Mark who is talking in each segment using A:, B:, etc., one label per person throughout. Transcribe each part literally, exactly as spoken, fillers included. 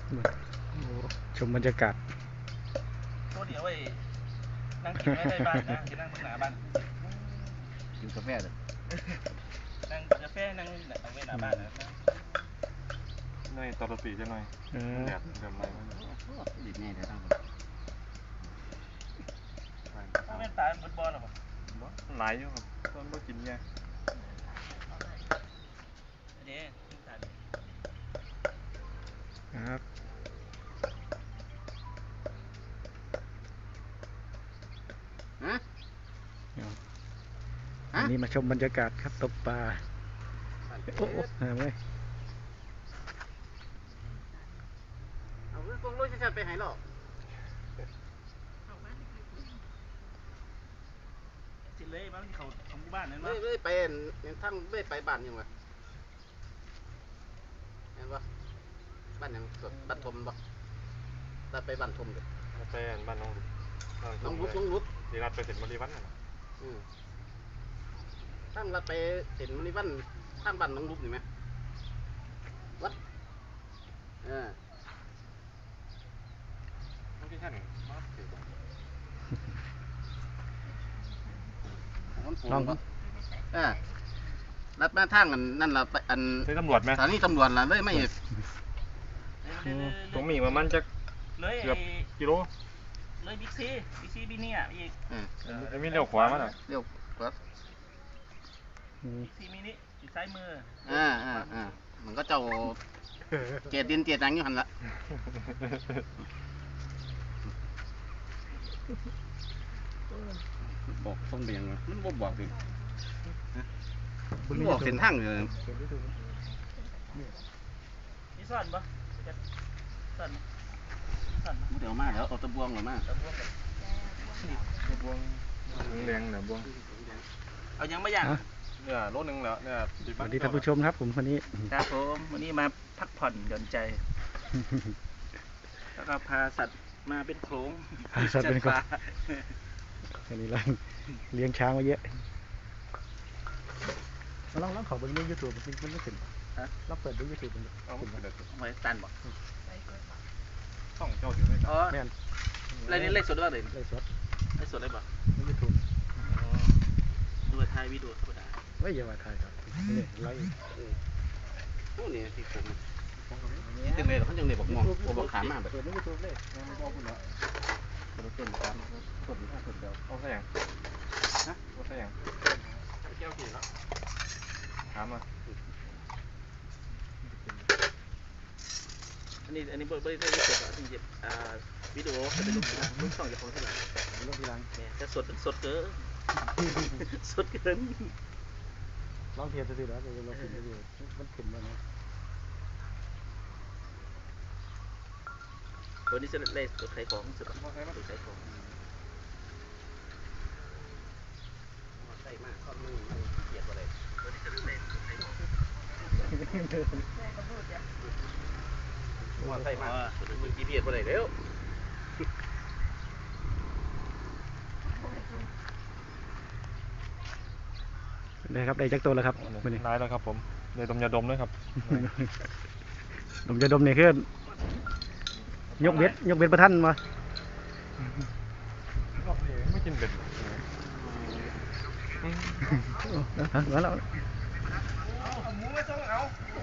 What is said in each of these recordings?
A: ชมบรรยากาศ
B: ตัวเดียวไอ้นั่งกินไม่ได้บ้านนะกินนั่งตรงหน้าบ้าน
C: กินกาแฟเลย
B: นั่งกาแฟนั่งเอาไว้หน้าบ้านนะ
D: ในตลอดปีใช่ไหมแดดเดิมไหม
C: ดิบแน่เดี๋ยวทั้งหมด
B: ถ้าแม่ตายมันบอลหรอปะ
D: หลายอยู่ครับต้นบ่กินไง
B: เดี๋ยว
A: ครับอันนี้มาชมบรรยากาศครับตกปลาโอ้โหหาเลย
C: เอาเรื่องลงชัดๆไปไหนหรอ
B: สิเลยบ้านเขาของบ้านนั่นวะ
C: ไม่ไม่ไปทั้งไม่ไปบ้านยังไงเห็นปะบ้านยังสดบ้านทมปะตัดไปบ้านทมเลย
D: ไปบ้านน้องลุก
C: น้องลุกน้องลุก
D: ดีรัดไปเสร็จมารีวันน่ะ
C: อืมท่านรัดไปเสร็จมารีวันท่านบ้านน้องลุกเห็นไหมวัดเออ
D: ต้องที่ท่านมาถือ
C: ลองเออรัดมาทางอันนั่นละอัน
D: ใช้ตำรวจไหม
C: สถานีตำรวจละเลยไม่
D: ตรงมีประมาณจะเกือบกิโล
B: เลยบิ๊กซีบิ๊กซีบิ๊กนี่อ่ะอีก
D: ไอ้มีเลี้ยวขวามั้ง
C: เลี้ยวขวา
B: บิ๊กซีมินิอยู่ซ้ายมือ
C: อ่าอ่าอ่ามันก็เจ้าเจียดินเจียดังอยู่หันละบอกต้องเบี่ยงมันบ่บอกดิมันบอกเส้นทางเลย
B: นี่ซ่อนปะซ่อนซ่อน
C: เดี๋ยวมาเดี๋ยวเอาตะบวงหรือมา
B: ตะบวง
D: ตะบวงแดงเนี่ยบวง
B: เอายังไม่ยัง
D: เนี่ยรถหนึ่งแล้วเนี่ย
A: สวัสดีท่านผู้ชมครับผมวันนี้
B: ครับผมวันนี้มาพักผ่อนหย่อนใจแล้วก็พาสัตว์มาเป็นโขลง
A: พาสัตว์เป็นโขลงวันนี้เราเลี้ยงช้างมาเยอะมาลองลองขอเบิ้งในยูทูบมันมันไม่ขึ้นฮะเราเปิดดูยูทูบมันขึ้นมา
B: ไว้ตันบอก
D: ช่องเจ้าอยู่ไหม
B: อ๋ออะไรนี่เล่นสดบ้างเลย
A: เล่นสด
B: เล่นสดเลยป่ะ
A: ในยูทูบ
B: ดูถ่ายวิดีโอธรรมดา
A: ไม่อย่ามาถ่ายครับนี่ไล่
C: พวกนี้ที่ผมยังไงเขายังไงบอกมองบอกขามาแบบ
A: ในยูทูบเลยบอกคุณเหรอ
C: ต้นขาต้นต้นเดียว
D: เอาใส่ยังฮะเอาใส่ยังเกี่ยวกี่แล้วถามมา
B: อันนี้อันนี้บริษัทที่เสร็จแล้วที่จะอ่าวิดีโอจะเป็นรูปทีหลังรูปช่องจะของทีหลัง
A: รูปทีหลัง
B: เนี่ยจะสดสดเกินสดเกิน
A: ลองเทียบดูแล้วเราเราขึ้นดูมันขึ้นแล้วนะ
B: วันนี้จะเล่นตัวไข่ของสุดตัวไข่ของ
C: ใส่มากข้อมือเกียดอะไร
B: วันนี้จะเล่นตัวไข่ของ
C: ว่าใส่มากมึงกีเพียดอะไรเร็ว
A: ได้ครับได้จักตัวแล้วครับ
D: ได้แล้วครับผมได้ดมยาดมด้วยครับ
A: ดมยาดมเนี่ยคือยกเบ็ดยกเบ็ดประทันมา
D: ไม่กินเบ็ด
A: มาแล้ว
B: หมูไม่ต้องเอา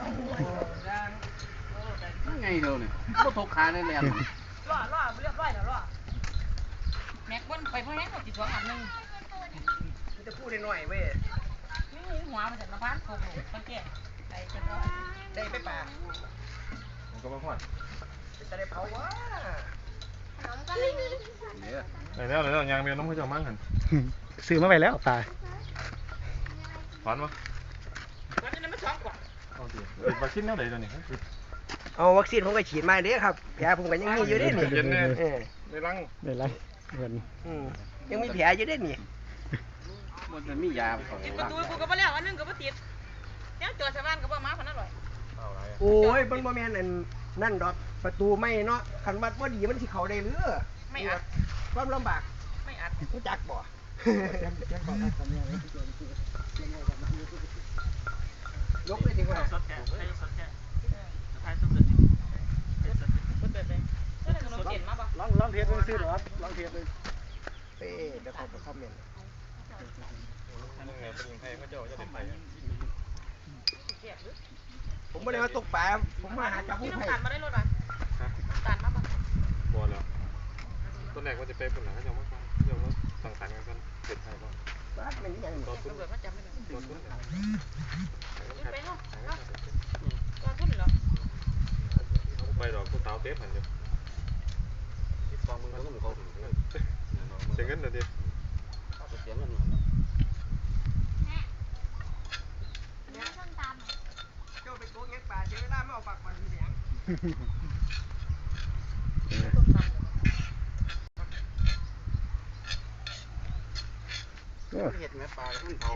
C: ไงเดียวเนี่ยก็ทกขาในแหลม
E: ล่อล่อเรียบร้อยแล้วล่อแม็กบนไปเพราะแม็กเขาติดตัวอันนึง
B: จะพูดได้หน่อยเว้ย
E: นี่หัวมันจะน้ำพันโคโค่ตั้งแก่ได้จะได้ไปป่า
D: มันก็มาขวัญ
B: จะได้เผาวะ
E: น้องก็ไม่มี
D: ไหนแล้วไหนแล้วยางเมียน้องเขาจะมั่งหัน
A: ซื้อมาไปแล้วตา
D: ขวัญวะ
E: วันนี้ไม่ช้อนกว่า
D: เอาดิวัคซีนแล้วไหนตัวนี้
B: เอาวัคซีนผมก็ฉีดมาเด้ครับแผลผมก็ยังมีอยู่ได้นี่
D: ในรัง
A: ในรังเหมือน
B: ยังมีแผลอยู่ได้นี่
C: มันมียาของ
E: ติดประตูกูก็บ่แล้วอันนึงก็บ่ติดแล้วจอดชาวบ้านก็บ่มาพันอร่อย
B: โอ้ยเบิ่งบ่แม่นอันนั่นดอกประตูไม่เนาะคันวัดบ่ดีมันสิเข้าได้หรือ
E: ไม่อัด
B: ความลำบาก
E: ไม่อัด
B: รู้จักบ่ยกไปถึงว่าสดแก่สดแก่ท้ายสุดเลย
E: เห็นมาปะ
A: ลองลองเทสดูซื้อหรอครับลองเทสดู
B: เอ้ยเดี๋ยวเขาจะคอมเมนต์
D: นั่นไงเป็นยังไงเขาเจ้าจะเด็ดไป
E: เสียบหรือ
B: ผมไม่ได้มาตกปลาผมมาหาจับ
E: นี่
B: ผู้
E: น้ำ
B: ไผ่
E: ตาลมาได้รถป่ะน้ำตาลมาปะ
D: บัวแล้วต้นแรกว่าจะไปเป็นหลังเขาเจ้ามาเจ้ามาสั่งสรรค์กันกันเด็ดไทยก็
B: บ้านมันยัง
D: รถทุน
E: ตำรวจมาจับไม่ได้
D: รถทุน
E: ไปเนาะก็ทุนเหรอ
D: ไปดอกกูเตาเต๊ะหันอยู่
C: ติดกองมึงก็ต้องกองถึงเงิน
D: เสียเงินเดี๋ยวดิ
C: เอาไปเสียเงิน
B: เจ้าไปโกงเงี้ยป่าเจ้าเวลาไม่เอาปากมันเสียง
E: ต้มตำ
A: เออ
C: เห็ดแม่ปลาขึ้นเผา